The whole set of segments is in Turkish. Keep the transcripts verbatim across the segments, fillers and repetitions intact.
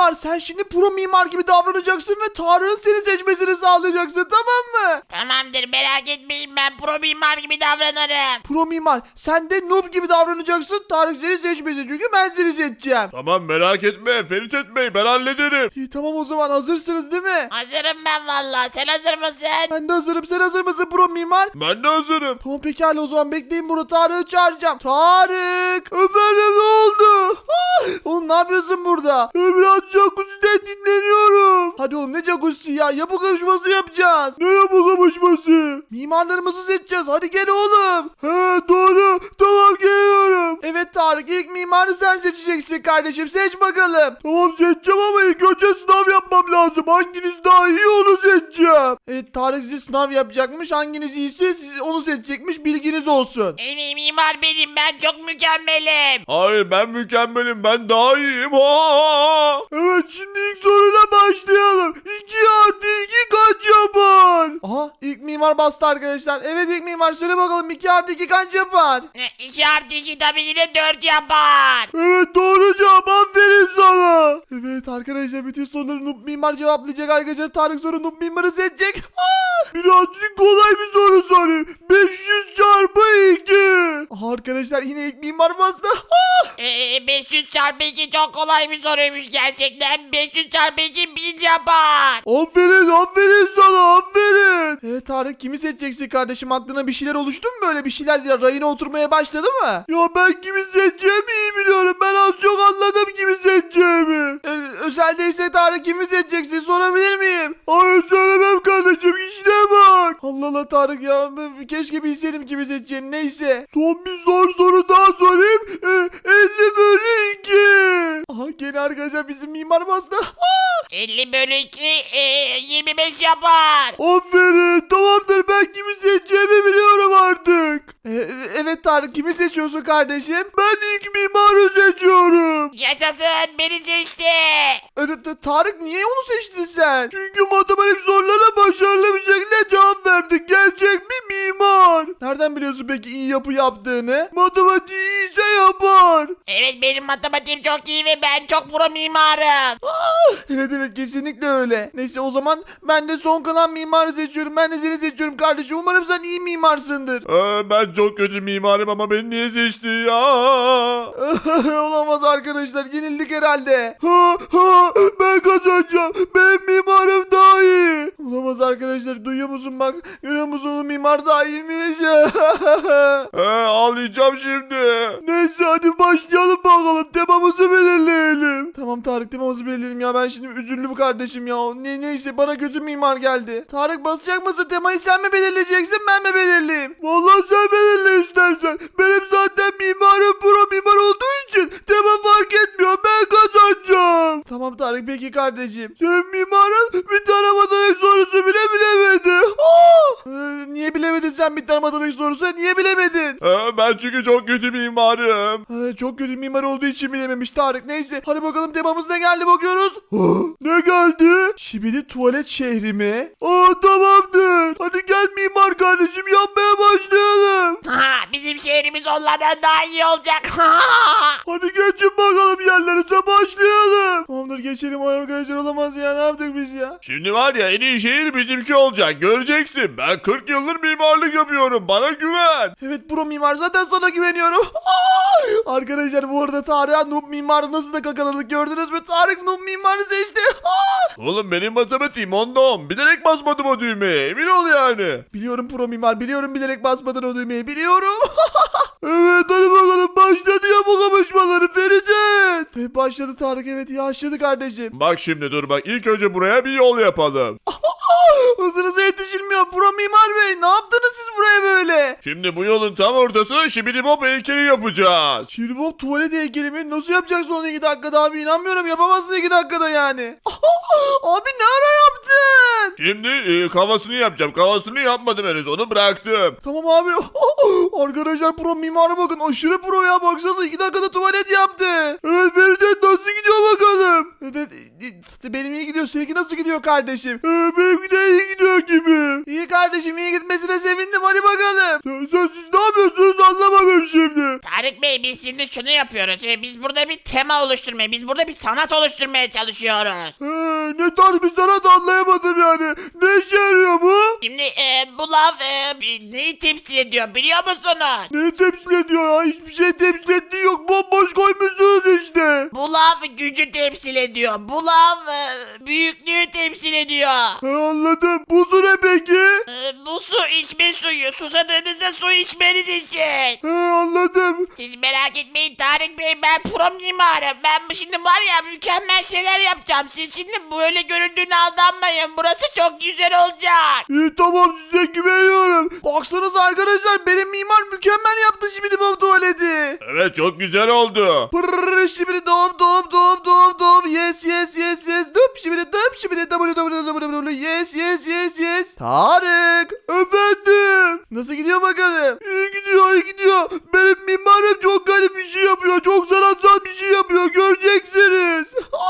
mimar, sen şimdi pro mimar gibi davranacaksın ve Tarık'ın seni seçmesini sağlayacaksın, tamam mı? Tamamdır, merak etmeyin, ben pro mimar gibi davranırım. Pro mimar, sen de noob gibi davranacaksın. Tarık seni seçmesin çünkü ben seni seçeceğim. Tamam, merak etme Ferit etmeyi ben hallederim. İyi, tamam o zaman, hazırsınız değil mi? Hazırım ben valla, sen hazır mısın? Ben de hazırım. Sen hazır mısın pro mimar? Ben de hazırım. Tamam pekala, o zaman bekleyin, burada Tarık'ı çağıracağım. Tarık! Efendim, ne oldu? Ah! Oğlum ne yapıyorsun burada? Biraz jacuzzi'den dinleniyorum. Hadi oğlum, ne jacuzzi ya? Yapı kapışması yapacağız. Ne yapı kapışması? Mimarlarımızı seçeceğiz. Hadi gel oğlum. He doğru. Tamam, geliyorum. Evet Tarık, ilk mimarı sen seçeceksin kardeşim. Seç bakalım. Tamam, seçeceğim ama ilk önce sınav yapmam lazım. Hanginiz daha iyi onu seçeceğim. Evet, Tarık size sınav yapacakmış. Hanginiz iyiyse siz onu seçecekmiş. Bilginiz olsun. En iyi mimar benim, ben çok mükemmelim. Hayır, ben mükemmelim, ben daha iyiyim. Ha! Evet, şimdi ilk soruyla başlayalım. iki artı iki kaç yapar? Aha, ilk mimar bastı arkadaşlar. Evet, ilk mimar söyle bakalım, iki artı iki kaç yapar? iki artı iki tabii ki de dört yapar. Evet, doğru cevap, aferin sana. Evet arkadaşlar, bütün soruları Noob Mimar cevaplayacak arkadaşlar. Tarık soru Noob Mimar'ı seçecek. Aa, birazcık kolay bir soru sorayım. beş yüz çarpı iki. Aha, arkadaşlar yine ilk mimar bastı. Aa, Ee, beş yüz çarpı iki çok kolay bir soruymuş gerçekten. beş yüz çarpı iki bin yapar. aferin aferin sana, aferin. Evet Tarık, kimi seçeceksin kardeşim? Aklına bir şeyler oluştu mu böyle? Bir şeyler ya, rayına oturmaya başladı mı? Ya ben kimi seçeceğimi iyi biliyorum. Ben az çok anladım kimi seçeceğimi. Ee, özeldeyse Tarık, kimi seçeceksin sorabilir miyim? Hayır, söylemem kardeşim, işine bak. Allah Allah Tarık ya, keşke bilseydim kimi seçeceğini. Neyse. Son bir zor soru daha sorayım. Ee, elli bölü iki. Aha, gene arkadaşlar bizim mimar bastı. elli bölü iki e, yirmi beş yapar. Aferin, tamamdır, ben kimi seçeceğimi biliyorum artık. Ee, evet Tarık, kimi seçiyorsun kardeşim? Ben ilk mimarı seçiyorum. Yaşasın, beni seçti. Ee, t- Tarık, niye onu seçtin sen? Çünkü matematik sorularına başarılı bir şekilde cevap verdi. Gerçek bir mimar. Nereden biliyorsun peki iyi yapı yaptığını? Matematiği iyiyse yapar. Evet, benim matematiğim çok iyi ve ben çok pro mimarım. Evet evet, kesinlikle öyle. Neyse, o zaman ben de son kalan mimarı seçiyorum. Ben de seni seçiyorum kardeşim. Umarım sen iyi mimarsındır. Ee, ben çok kötü mimarım ama beni niye seçti ya? Olamaz arkadaşlar, yenildik herhalde. Ha, ha, ben kazanacağım. Benim mimarım daha iyi. Olamaz arkadaşlar, duyuyor musun bak? Görüyor musun, onun mimar daha iyiymiş. Ee, ağlayacağım şimdi. Neyse, hadi başlayalım bakalım. Temamızı belirleyelim. Tamam Tarık, temamızı belirleyelim ya. Ben şimdi üzüldüm kardeşim ya. Ne, neyse, bana kötü mimar geldi. Tarık, basacak mısın? Temayı sen mi belirleyeceksin, ben mi belirleyeyim? Vallahi sen belirle istersen. Benim zaten mimarım pro mimar olduğu için tema fark etmiyor. Ben kazanacağım. Tamam Tarık, peki kardeşim. Sen mimarın bir tane matematik sorusu bile bilemedi. Ee, niye bilemedin sen bir tane matematik sorusu? Niye bilemedin? Ee, ben çünkü çok kötü mimarım. Ee, çok kötü mimar olduğu için bilememiş Tarık. Neyse, hadi bakalım, temamız ne geldi bakıyoruz. Ne geldi? Şibidi tuvalet şehri mi? Aa, tamamdır. Hadi gel mimar kardeşim, yapmaya başlayalım. Ha, bizim şehrimiz onlardan daha iyi olacak. Hadi geçin bakalım yerlerinize, başlayalım. Tamamdır, geçelim arkadaşlar, olamaz ya, ne yaptık biz ya? Şimdi var ya, en iyi şehir bizimki olacak, göreceksin. Ben kırk yıldır mimarlık yapıyorum, bana güven. Evet pro mimar, zaten sana güveniyorum. Arkadaşlar, bu arada Tarık'a noob mimarı nasıl da kakaladık, gördünüz mü? Tarık noob mimarı seçti. Oğlum, benim matematiğim onda on. Bilerek basmadım o düğmeye, emin ol yani. Biliyorum pro mimar, biliyorum, bilerek basmadın o düğmeyi, biliyorum. Evet, hadi bakalım, başladı ya bu kapışmaları Feridun. Evet, başladı Tarık, evet yaşladı kardeşim. Bak şimdi, dur bak, ilk önce buraya bir yol yapalım. Hızınıza yetişilmiyor pro mimar bey, ne yaptınız siz buraya böyle? Şimdi bu yolun tam ortasına Şibidi Bob heykeli yapacağız. Şimdi bu tuvalet heykeli mi? Nasıl yapacaksın onu iki dakikada abi, inanmıyorum, yapamazsın iki dakikada yani. Abi ne ara yaptın? Şimdi e, kafasını yapacağım. Kafasını yapmadım henüz, onu bıraktım. Tamam abi. Arkadaşlar, pro mimara bakın, aşırı pro ya, baksanıza iki dakikada tuvalet yaptı. Evet Feridun, nasıl gidiyor bakalım? Evet, benim iyi gidiyor, seninki nasıl gidiyor kardeşim? Ee, benimki de iyi gidiyor gibi. İyi kardeşim, iyi gitmesine sevindim, hadi bakalım. Sen, sen siz ne yapıyorsunuz, anlamadım şimdi? Tarık Bey biz şimdi şunu yapıyoruz. Ee, Biz burada bir tema oluşturmaya, biz burada bir sanat oluşturmaya çalışıyoruz. Ee, ne tarz bir sanat anlayamadım yani. Ne işe yarıyor bu? Şimdi e, bu lav e, bir- neyi temsil ediyor biliyor musunuz? Ne temsil ediyor ya? Hiçbir şey temsil ettiği yok. Bomboş koymuşsunuz işte. Bu lav gücü temsil ediyor. Bu lav e, büyüklüğü temsil ediyor. Ha, anladım. Buzu ne peki? E, bu su içme suyu. Susadığınızda su içmeniz için. Ha, anladım. Siz merak etmeyin Tarık Bey, ben pro mimarım. Ben bu şimdi var ya mükemmel şeyler yapacağım. Siz şimdi böyle göründüğüne aldanmayın. Burası çok güzel olacak. İyi tamam, size güveniyorum. Baksanıza arkadaşlar, benim mimar mükemmel yaptı şimdi bu tuvaleti. Evet çok güzel oldu. Pırrrr, şimdi doğum doğum doğum doğum doğum. Yes yes yes yes. Dup şimdi dup şimdi w w w w yes yes yes yes. Tarık efendim. Nasıl gidiyor bakalım? İyi gidiyor iyi gidiyor. Benim mimarım çok garip bir şey yapıyor. Çok sanatsal bir şey yapıyor. Göreceksiniz.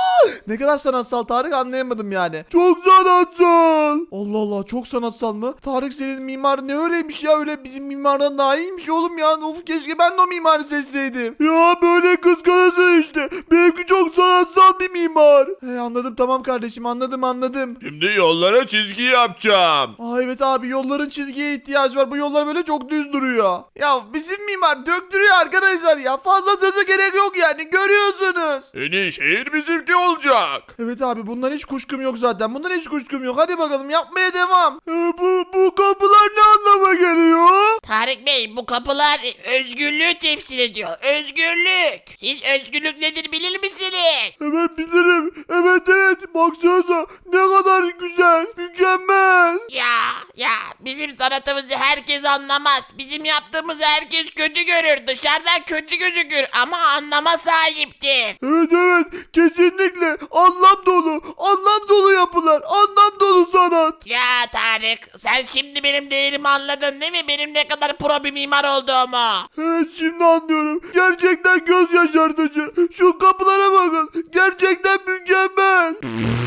Ne kadar sanatsal Tarık, anlayamadım yani. Çok sanatsal. Allah Allah, çok sanatsal mı? Tarık senin mimar ne öyleymiş ya, öyle bizim mimardan daha iyiymiş oğlum ya. Of, keşke ben de o mimarı seçseydim. Ya böyle kıskanırsın işte. Benimki çok sanatsal bir mimar. He, anladım tamam kardeşim, anladım anladım. Şimdi yollara çizgi yapacağım. Aa evet abi, yolların çizgiye ihtiyacı var. Bu yollar böyle çok düz duruyor. Ya bizim mimar döktürüyor arkadaşlar ya. Fazla söze gerek yok yani, görüyorsunuz. En iyi şehir bizimki olacak. Evet abi, bundan hiç kuşkum yok zaten. Bundan hiç kuşkum yok. Hadi bakalım yapmaya devam. Ee, bu, bu kapılar ne anlama geliyor? Tarık Bey, bu kapılar özgürlüğü temsil ediyor. Özgürlük. Siz özgürlük nedir bilir misiniz? Evet bilirim. Evet evet. Baksanıza ne kadar güzel. Mükemmel. Ya ya bizim sanatımızı herkes anlamaz. Bizim yaptığımızı herkes kötü görür. Dışarıdan kötü gözükür ama anlama sahiptir. Evet evet. Kesinlikle. Anlam dolu. Anlam dolu yapılar. Anlam dolu sanat. Ya Tarık, sen şimdi benim değerimi anladın değil mi? Benim ne kadar pro bir mimar olduğumu. Evet şimdi anlıyorum. Gerçekten göz yaşartıcı. Şu kapılara bakın. Gerçekten mükemmel.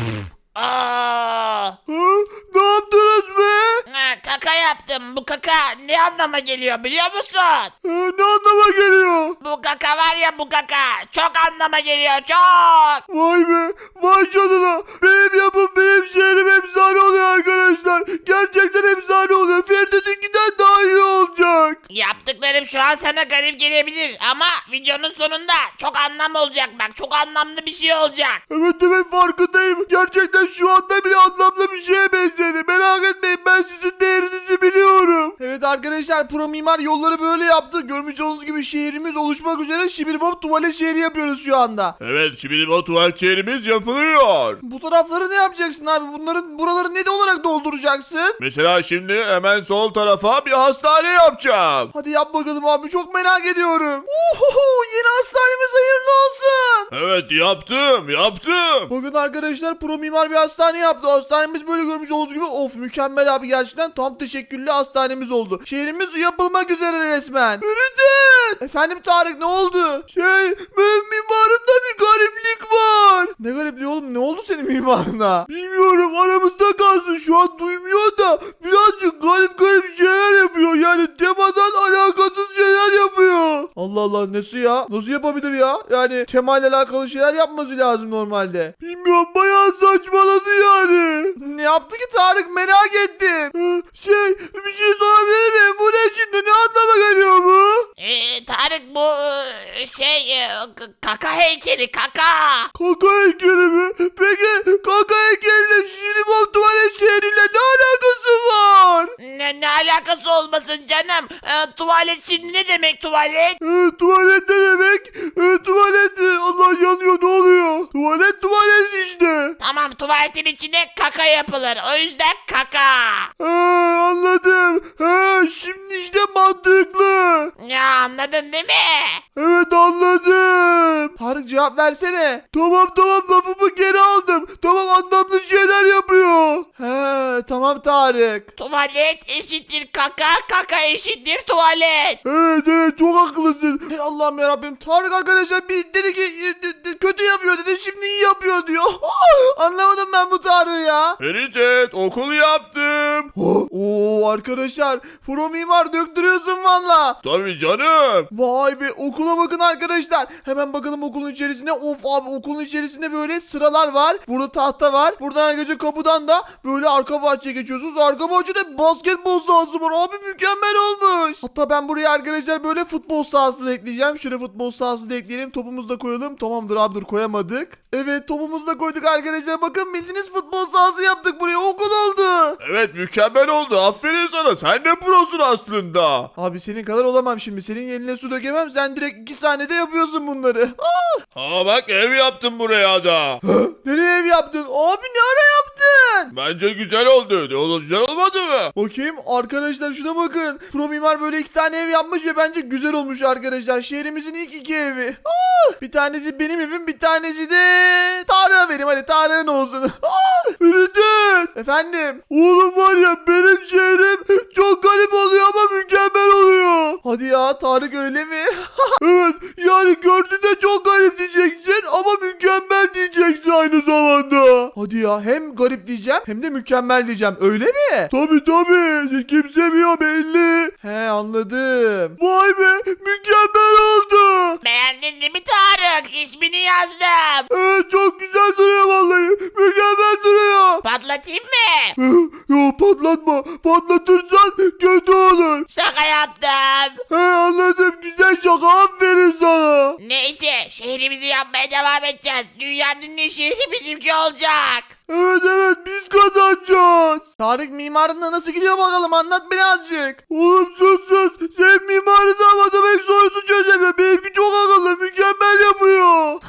Aa, Ha? Ne yaptınız be? ha, kaka yaptım. Bu kaka ne anlama geliyor biliyor musun? Ha, ne anlama geliyor? Bu kaka var ya, bu kaka çok anlama geliyor, çok. Vay be. Vay canına. Benim yapım, benim şehrim efsane oluyor arkadaşlar. Gerçekten efsane oluyor. Ferdi'ninkinden daha iyi olacak. Yaptıklarım şu an sana garip gelebilir ama videonun sonunda çok anlam olacak bak. Çok anlamlı bir şey olacak. Evet evet, farkındayım. Gerçekten şu anda bile anlamlı bir şeye benzedi. Merak etmeyin, ben sizin değerinizi biliyorum. Evet arkadaşlar, pro mimar yolları böyle yaptı. Görmüş olduğunuz gibi şehrimiz oluşmak üzere. Şibirbob tuvalet şehri yapıyoruz şu anda. Evet şimdi o tuvalet şehrimiz yapılıyor. Bu tarafları ne yapacaksın abi? Bunların buraları ne de olarak dolduracaksın? Mesela şimdi hemen sol tarafa bir hastane yapacağım. Hadi yap bakalım abi, çok merak ediyorum. Uhuhu, yeni hastanemiz hayırlı olsun. Evet yaptım yaptım. Bakın arkadaşlar, pro mimar bir hastane yaptı. Hastanemiz böyle görmüş olduğunuz gibi. Of, mükemmel abi, gerçekten tam teşekküllü hastanemiz oldu. Şehrimiz yapılmak üzere resmen. Ürüden. Efendim Tarık, ne oldu? Şey, benim mimarımda bir gariplik var. Ne garipliği oğlum, ne oldu senin mimarına? Bilmiyorum, aramızda kalsın, şu an duymuyor da birazcık garip garip şeyler yapıyor. Yani temadan alakasız şeyler yapıyor. Allah Allah, nasıl ya? Nasıl yapabilir ya? Yani temayla alakalı şeyler yapması lazım normalde. Bilmiyorum, bayağı saçmaladı yani. Ne yaptı ki Tarık, merak ettim. Ee, Şey, bir şey sorabilir miyim? Bu ne şimdi? Ne anlama geliyor bu? Ee, Tarık, bu e, şey e, k- kaka heykeli, kaka. Kaka heykeli mi? Peki kaka heykeliyle Şiribom tuvalet şehriyle ne alakası var? Ne, ne alakası olmasın canım? Ee, tuvalet şimdi ne demek tuvalet? Ee, tuvalet ne demek? Ee, tuvalet, e, Allah yanıyor, ne oluyor? Tuvalet tuvalet işte. Tamam, tuvaletin içine kaka yapılır. O yüzden kaka. Ha, anladım. Ha, şimdi işte mantıklı. Ya anladın değil mi? Evet anladım. Tarık cevap versene. Tamam tamam, lafımı geri aldım. Tamam, anlamlı şeyler yapıyor. He tamam Tarık. Tuvalet eşittir kaka, kaka eşittir tuvalet. Evet evet, çok haklısın. Hey Allah'ım yarabbim. Tarık arkadaşlar bir dedi ki e, de- de- kötü yapıyor dedi, şimdi iyi yapıyor diyor. Anlamadım ben bu Tarık'ı ya. Ferit okul yaptım. Oh, Oo arkadaşlar pro mimar döktürüyorsun valla. Tabii canım. Vay be okula bakın arkadaşlar. Hemen bakalım okulun içerisinde. Of abi okulun içerisinde böyle sıralar var. Burada tahta var. Buradan arkadaşlar kapıdan da böyle arka bahçeye geçiyorsunuz. Arka bahçede basketbol sahası var. Abi mükemmel olmuş. Hatta ben buraya arkadaşlar böyle futbol sahası da ekleyeceğim. Şöyle futbol sahası da ekleyelim. Topumuzu da koyalım. Tamamdır abi dur koyamadık. Evet topumuzu da koyduk arkadaşlar. Bakın bildiğiniz futbol sahası yaptık buraya. Okul oldu. Evet mükemmel oldu. Aferin sana. Sen de prosun aslında. Abi senin kadar olamam şimdi. Senin eline su dökemem. Sen direkt iki saniyede yapıyorsun bunları. Ha bak ev yaptım buraya da. Nereye ev yaptın? Abi ne ara yaptın? Bence güzel oldu. Ne oldu güzel olmadı mı? Bakayım arkadaşlar şuna bakın. Pro mimar böyle iki tane ev yapmış ve bence güzel olmuş arkadaşlar. Şehrimizin ilk iki evi. Ah! Bir tanesi benim evim, bir tanesi de Tarık'a vereyim. Hadi Tarık'ın olsun. Ah! Ürüdün. Efendim. Oğlum var ya benim şehrim çok garip oluyor ama mükemmel oluyor. Hadi ya Tarık öyle mi? Evet yani gördüğünde çok garip diyeceksin ama mükemmel diyeceksin aynı zamanda. Hadi ya hem garip diyeceğim hem de mükemmel diyeceğim öyle mi? Tabi tabi kimse biliyor belli. He anladım. Vay be mükemmel oldu. Beğendin değil mi Tarık? İsmini yazdım. Evet çok güzel duruyor vallahi. Mükemmel duruyor. Patlatayım mı? Yo patlatma. Patlatırsan kötü olur. Şaka yaptım. He anladım güzel şaka aferin sana. Neyse şehrimizi yapmaya devam edeceğiz. Dünyanın en şehri bizimki olacak. Evet evet biz kazanacağız. Tarık mimarında nasıl gidiyor bakalım anlat birazcık. Oğlum sus sus. Sen mimarı da matematik sorusu çözemiyor. Benimki çok akıllı mükemmel yapıyor.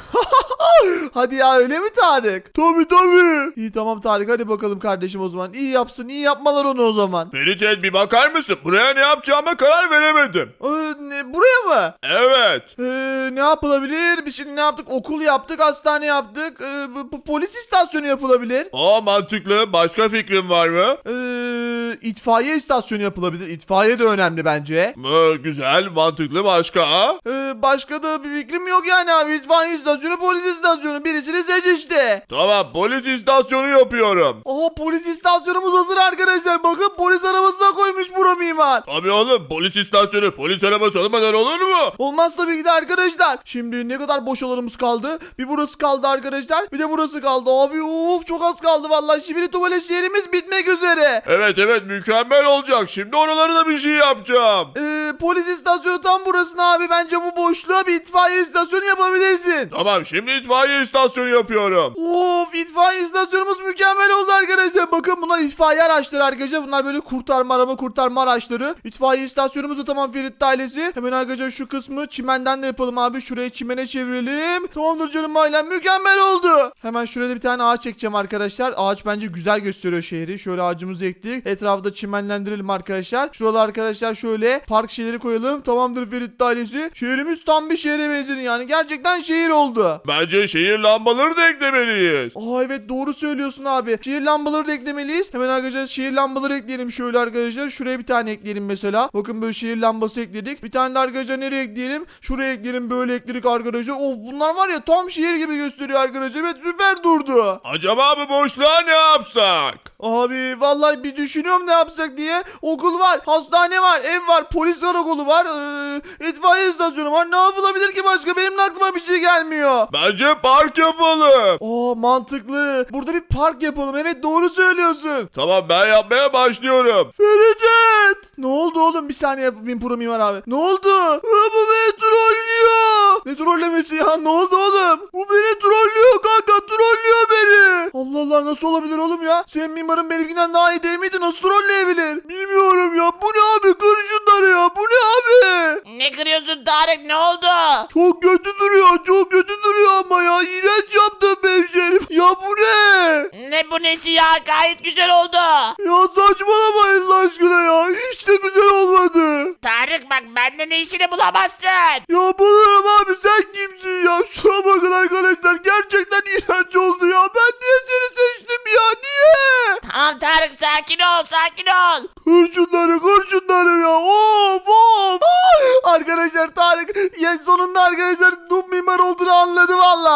Hadi ya öyle mi Tarık? Tabi tabi. İyi tamam Tarık hadi bakalım kardeşim o zaman. İyi yapsın iyi yapmalar onu o zaman. Ferit bir bakar mısın? Buraya ne yapacağıma karar veremedim. Ee, ne, buraya mı? Evet. Ee, ne yapılabilir? Biz şimdi ne yaptık? Okul yaptık, hastane yaptık. Ee, bu, bu polis istasyonu yapılabilir. Aa mantıklı. Başka fikrin var mı? Ee, itfaiye istasyonu yapılabilir. İtfaiye de önemli bence. Ee, güzel, mantıklı. Başka? Ee, başka da bir fikrim yok yani abi. İtfaiye istasyonu, polis istasyonu. Birisini seç işte. Tamam, polis istasyonu yapıyorum. Aha polis istasyonumuz hazır arkadaşlar. Bakın polis arabasına koymuş bura mimar. Tabii oğlum, polis istasyonu, polis arabası olmadan olur mu? Olmaz tabii ki de arkadaşlar. Şimdi ne kadar boş alanımız kaldı? Bir burası kaldı arkadaşlar. Bir de burası kaldı. Abi of çok az kaldı vallahi. Şimdi tuvalet şehrimiz bitmek üzere. Evet evet, mükemmel olacak. Şimdi oralara da bir şey yapacağım. Ee, polis istasyonu tam burasına abi. Bence bu boşluğa bir itfaiye istasyonu yapabilirsin. Tamam, şimdi itfaiye istasyonu yapıyorum. Of itfaiye istasyonumuz mükemmel oldu arkadaşlar. Bakın bunlar itfaiye araçları arkadaşlar. Bunlar böyle kurtarma araba kurtarma araçları. İtfaiye istasyonumuz da tamam Ferit ailesi. Hemen arkadaşlar şu kısmı çimenden de yapalım abi. Şurayı çimene çevirelim. Tamamdır canım ailem mükemmel oldu. Hemen şurada bir tane ağaç çekeceğim arkadaşlar. Ağaç bence güzel gösteriyor şehri. Şöyle ağacımızı ekledik. Etrafı da çimenlendirelim arkadaşlar. Şuralar arkadaşlar şöyle park şeyleri koyalım. Tamamdır Ferit ailesi. Şehrimiz tam bir şehre benzedi yani. Gerçekten şehir oldu. Bence şehir lambaları da eklemeliyiz. Aa evet doğru söylüyorsun abi. Şehir lambaları da eklemeliyiz. Hemen arkadaşlar şehir lambaları ekleyelim şöyle arkadaşlar. Şuraya bir tane ekleyelim mesela. Bakın böyle şehir lambası ekledik. Bir tane de arkadaşlar nereye ekleyelim? Şuraya ekleyelim böyle ekledik arkadaşlar. Of bunlar var ya tam şehir gibi gösteriyor arkadaşlar. Evet süper durdu. Acaba bu boşluğa ne yapsak? Abi vallahi bir düşünüyorum ne yapsak diye. Okul var, hastane var, ev var, polis karakolu var, ee, itfaiye istasyonu var. Ne yapılabilir ki başka? Benim de aklıma bir şey gelmiyor. Bence park yapalım. Aa mantıklı. Burada bir park yapalım. Evet doğru söylüyorsun. Tamam, ben yapmaya başlıyorum. Feridun! Ne oldu oğlum? Bir saniye yapayım pro mimar abi. Ne oldu? Aa, bu beni trollüyor. Ne trollemesi ya? Ne oldu oğlum? Bu beni trollüyor kanka. Trollüyor beni. Allah Allah nasıl olabilir oğlum ya? Senin mimarın benimkinden daha iyi değil miydi? Nasıl trolleyebilir? Bilmiyorum ya. Bu ne abi? Kır şunları ya. Bu ne abi? Ne kırıyorsun Tarık ne oldu? Çok kötü duruyor. Çok kötü duruyor ama ya. İğrenç yaptım hemşerim. Ya bu ne? Ne bu nesi ya gayet güzel oldu. Ya saçmalamayın Allah aşkına ya. Hiç de güzel olmadı. Tarık bak bende ne işini bulamazsın. Ya bulurum abi sen kimsin ya? Şuna bakın arkadaşlar gerçekten iğrenç oldu ya. Ben niye seni seçtim ya? Niye? Tamam Tarık sakin ol sakin ol. Kır şunları kır şunları ya. Of of. Arkadaşlar Tarık ya sonunda arkadaşlar Doom mimar olduğunu anladı valla. Tamam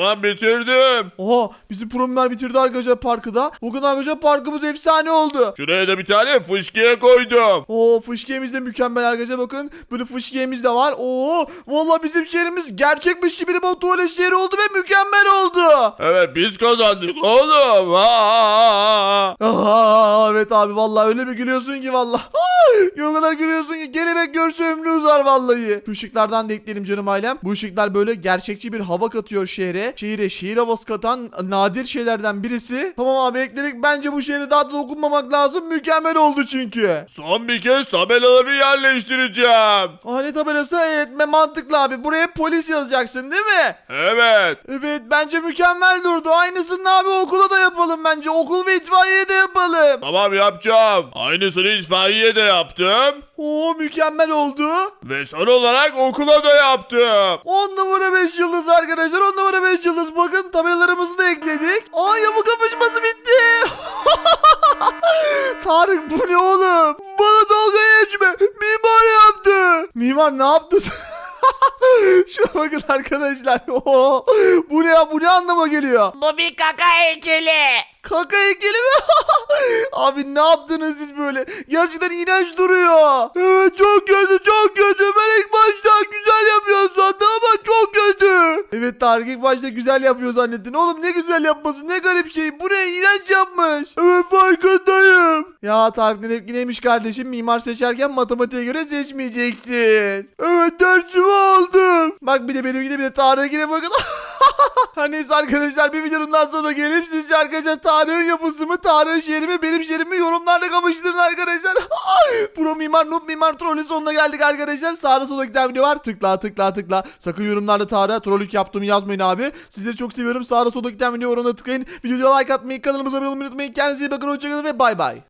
Tamam bitirdim. Oha bizim pro mimar bitirdi arkadaşlar parkı da. Bugün arkadaşlar parkımız efsane oldu. Şuraya da bir tane fışkiye koydum. Oo fışkiyemiz de mükemmel arkadaşlar bakın. Böyle fışkiyemiz de var. Oo vallahi bizim şehrimiz gerçek bir şibiri bot tuvalet şehri oldu ve mükemmel oldu. Evet biz kazandık oğlum. Aa! Aa, evet abi vallahi öyle bir gülüyorsun ki vallahi. O kadar gülüyorsun ki kelebek görse ömrü uzar vallahi. Şu ışıklardan da ekleyelim canım ailem. Bu ışıklar böyle gerçekçi bir hava katıyor şehre. Şehire şehir havası katan nadir şeylerden birisi. Tamam abi ekledik. Bence bu şehre daha da dokunmamak lazım. Mükemmel oldu çünkü. Son bir kez tabelaları yerleştireceğim. Aa ne tabelası? Evet mantıklı abi. Buraya polis yazacaksın değil mi? Evet. Evet bence mükemmel durdu. Aynısını abi okula da yapalım bence. Okul ve itfaiye de yapalım. Tamam yapacağım. Aynısını itfaiye de yaptım. Oo mükemmel oldu. Ve son olarak okula da yaptım. on numara beş yıldız arkadaşlar. on numara beş yıldız. Bakın tabelalarımızı da ekledik. Aa yapı kapışması bitti. Tarık bu ne oğlum? Bana dalga geçme. Mimar yaptı. Mimar ne yaptı? Şuna bakın arkadaşlar. Oo, bu ne ya? Bu ne anlama geliyor? Bu bir kaka heykeli. Kaka heykeli mi? Abi ne yaptınız siz böyle? Gerçekten iğrenç duruyor. Evet çok kötü çok kötü. Ben ilk başta güzel yapıyor sandım ama çok kötü. Evet Tarık ilk başta güzel yapıyor zannettin. Oğlum ne güzel yapması ne garip şey. Bu ne iğrenç yapmış. Evet farkındayım. Ya Tarık ne, neymiş kardeşim mimar seçerken matematiğe göre seçmeyeceksin. Evet dersimi aldım. Bak bir de benimkine bir de Tarık'ine bakın. Her neyse arkadaşlar bir videonun daha sonuna gelip sizce arkadaşlar Tarık'ın yapısı mı Tarık'ın şehri mi benim şehrimi yorumlarda kapıştırın arkadaşlar. Pro mimar noob mimar trolün sonuna geldik arkadaşlar. Sağda solda giden video var tıkla tıkla tıkla. Sakın yorumlarda Tarık'a trollük yaptığımı yazmayın abi. Sizleri çok seviyorum. Sağda solda giden video yorumuna tıklayın. Videoya like atmayı kanalımıza abone olmayı unutmayın. Kendinize iyi bakın hoşçakalın ve bay bay.